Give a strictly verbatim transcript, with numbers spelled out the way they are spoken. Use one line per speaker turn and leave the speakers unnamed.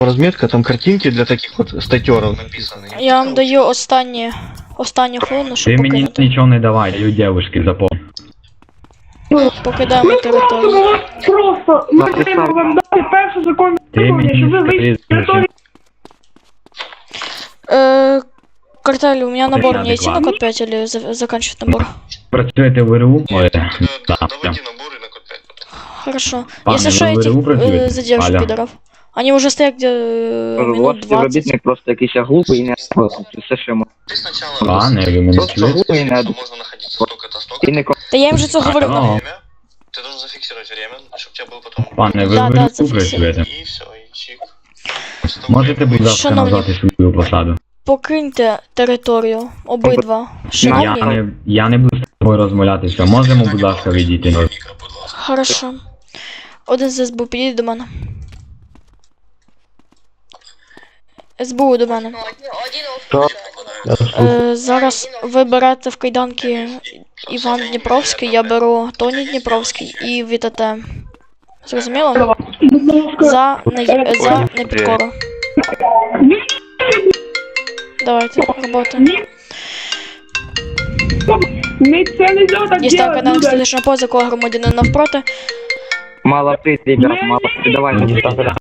Разметка, там картинки для таких вот статеров написаны.
Я вам даю останні, останню хвилину, щоб
Ти мені
покинути.
нічого не давай, даю девушки запомни.
Покидаємо територію.
Просто ми маємо вам дати перший закон,
Ти мені
щоб ви
скажи,
вийшли з території.
Э, Картель, у меня набор
Порядок,
не идти на
ладно.
код пять или за- заканчивать набор?
Працюєте в РУ? Ой, да,
Доводи
все.
набори на код п'ять потім.
Хорошо.
Пане,
Если
вы
что,
в
этих
РУ працюєте?
э, задержу
Аля.
пидоров. Они уже стоят где э,
Ваш
минут двадцать.
співробітник просто якийсь глупий і не спосіб. Це все, що можна.
Ти спочатку
Пане, ви мене
Просто
чуєте?
глупий і не
що можна знаходитися столько-то, столько.
і не
Да я им же это говорю.
ну.
нахуй.
Время. Ты должен зафиксировать время, чтобы у тебя был потом...
Пане, ви
Да,
в
да,
РУ
зафіксуйте.
працюєте?
И все, и чик. После того,
Можете,
как
будь
я
ласка,
Шановні-
назвати свою посаду?
Покиньте територію. Обидва.
Я
Шановні.
не, я не буду з тобою розмовлятися. Можемо, будь ласка, відійти?
микро, будь ласка.
Хорошо. Один з СБУ, підійди до мене. СБУ до мене. Е, зараз ви берете в кайданки Іван Дніпровський, я беру Тоні Дніпровський і ВТТ. Зрозуміло? За, не, за непідкору. Давайте, робота.
Ми це не можна так
Дістав
делать,
кайданки
люди.
статичного поза, кого громадянина навпроти.
мало прийти, ребят, мало прийти. Давай,